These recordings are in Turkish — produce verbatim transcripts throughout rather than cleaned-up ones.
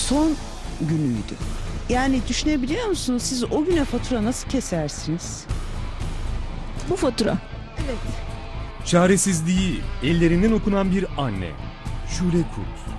son günüydü. Yani düşünebiliyor musunuz, siz o güne fatura nasıl kesersiniz? Bu fatura. Evet. Çaresizliği ellerinden okunan bir anne. Şule Kurt.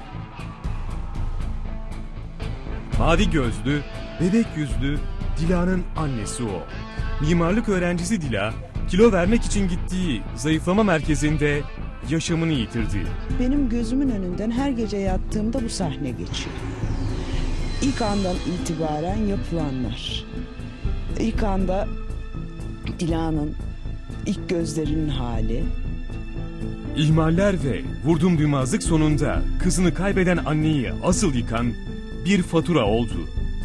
Mavi gözlü, bebek yüzlü Dila'nın annesi o. Mimarlık öğrencisi Dila, kilo vermek için gittiği zayıflama merkezinde yaşamını yitirdi. Benim gözümün önünden her gece yattığımda bu sahne geçiyor. İlk andan itibaren yapılanlar. İlk anda Dila'nın ilk gözlerinin hali. İhmaller ve vurdum duymazlık sonunda kızını kaybeden anneyi asıl yıkan bir fatura oldu.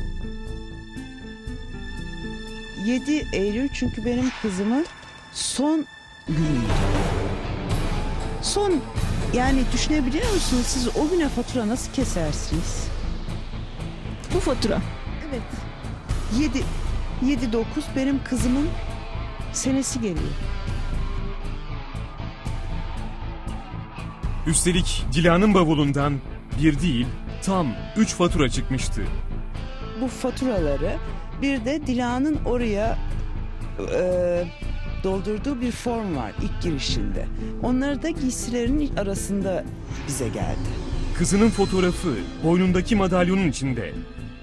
yedi Eylül çünkü benim kızımın son günüydü. Son, yani düşünebiliyor musunuz, siz o güne fatura nasıl kesersiniz? Bu fatura. Evet. yedi yedi dokuz benim kızımın senesi geliyor. Üstelik Dila'nın bavulundan bir değil tam üç fatura çıkmıştı. Bu faturaları bir de Dila'nın oraya e, doldurduğu bir form var ilk girişinde. Onları da giysilerinin arasında bize geldi. Kızının fotoğrafı boynundaki madalyonun içinde.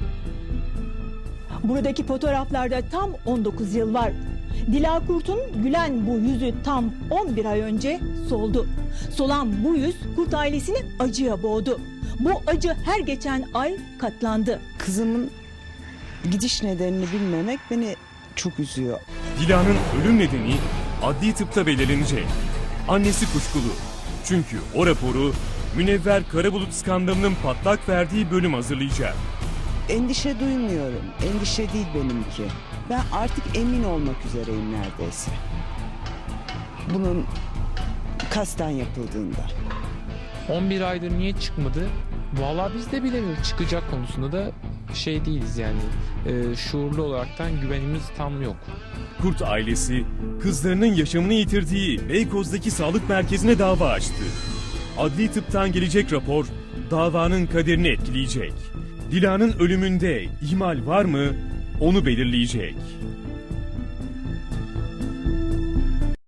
Buradaki fotoğraflarda tam on dokuz yıl var. Dila Kurt'un gülen bu yüzü tam on bir ay önce soldu. Solan bu yüz Kurt ailesini acıya boğdu. Bu acı her geçen ay katlandı. Kızımın gidiş nedenini bilmemek beni çok üzüyor. Dila'nın ölüm nedeni adli tıpta belirlenecek. Annesi kuşkulu. Çünkü o raporu Münevver Karabulut skandalının patlak verdiği bölüm hazırlayacak. Endişe duymuyorum. Endişe değil benimki. Ben artık emin olmak üzereyim neredeyse. Bunun kasten yapıldığında. on bir aydır niye çıkmadı? Vallahi biz de bilemiyoruz. Çıkacak konusunda da şey değiliz yani. E, şuurlu olaraktan güvenimiz tam yok. Kurt ailesi kızlarının yaşamını yitirdiği Beykoz'daki sağlık merkezine dava açtı. Adli tıptan gelecek rapor davanın kaderini etkileyecek. Dila'nın ölümünde ihmal var mı onu belirleyecek.